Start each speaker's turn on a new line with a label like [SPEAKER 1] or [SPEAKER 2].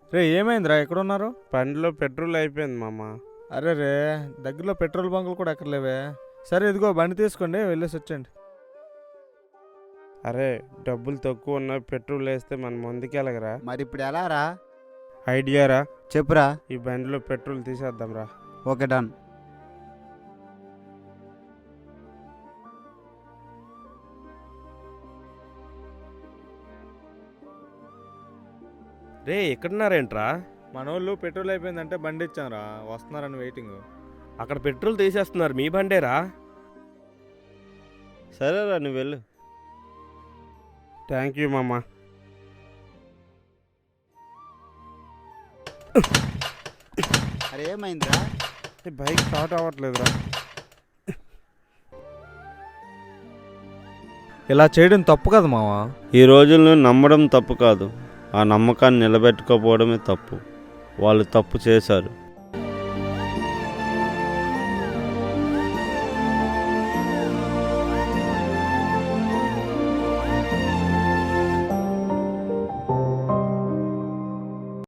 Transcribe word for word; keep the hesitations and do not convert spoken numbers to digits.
[SPEAKER 1] రే ఏమైందిరా ఎక్కడున్నారు?
[SPEAKER 2] బండిలో పెట్రోల్ అయిపోయింది మామ.
[SPEAKER 1] అరే రే దగ్గరలో పెట్రోల్ బంకులు కూడా ఎక్కర్లేవే. సరే ఇదిగో బండి తీసుకోండి, వెళ్ళేసి వచ్చండి.
[SPEAKER 2] అరే డబ్బులు తక్కువ ఉన్నాయి, పెట్రోల్ వేస్తే మనం ముందుకెళ్ళగరా?
[SPEAKER 3] మరి ఇప్పుడు ఎలా రా?
[SPEAKER 2] ఐడియా రా,
[SPEAKER 3] చెప్పురా.
[SPEAKER 2] ఈ బండిలో పెట్రోల్ తీసేద్దాం రా.
[SPEAKER 3] Okay done.
[SPEAKER 4] రే ఎక్కడున్నారేంట్రా?
[SPEAKER 1] మనోళ్ళు పెట్రోల్ అయిపోయిందంటే బండి ఇచ్చాంరా, వస్తున్నారని వెయిటింగ్.
[SPEAKER 4] అక్కడ పెట్రోల్ తీసేస్తున్నారు, మీ బండేరా?
[SPEAKER 2] సరేరా నువ్వు వెళ్ళు. థ్యాంక్ యూ మామ.
[SPEAKER 3] అరే ఏమైందిరా?
[SPEAKER 2] ఈ బైక్ స్టార్ట్ అవ్వట్లేదురా.
[SPEAKER 1] ఇలా చేయడం తప్పు కదా మావా.
[SPEAKER 2] ఈ రోజుల్లో నమ్మడం తప్పు కాదు, ఆ నమ్మకాన్ని నిలబెట్టుకోపోవడమే తప్పు. వాళ్ళు తప్పు చేశారు.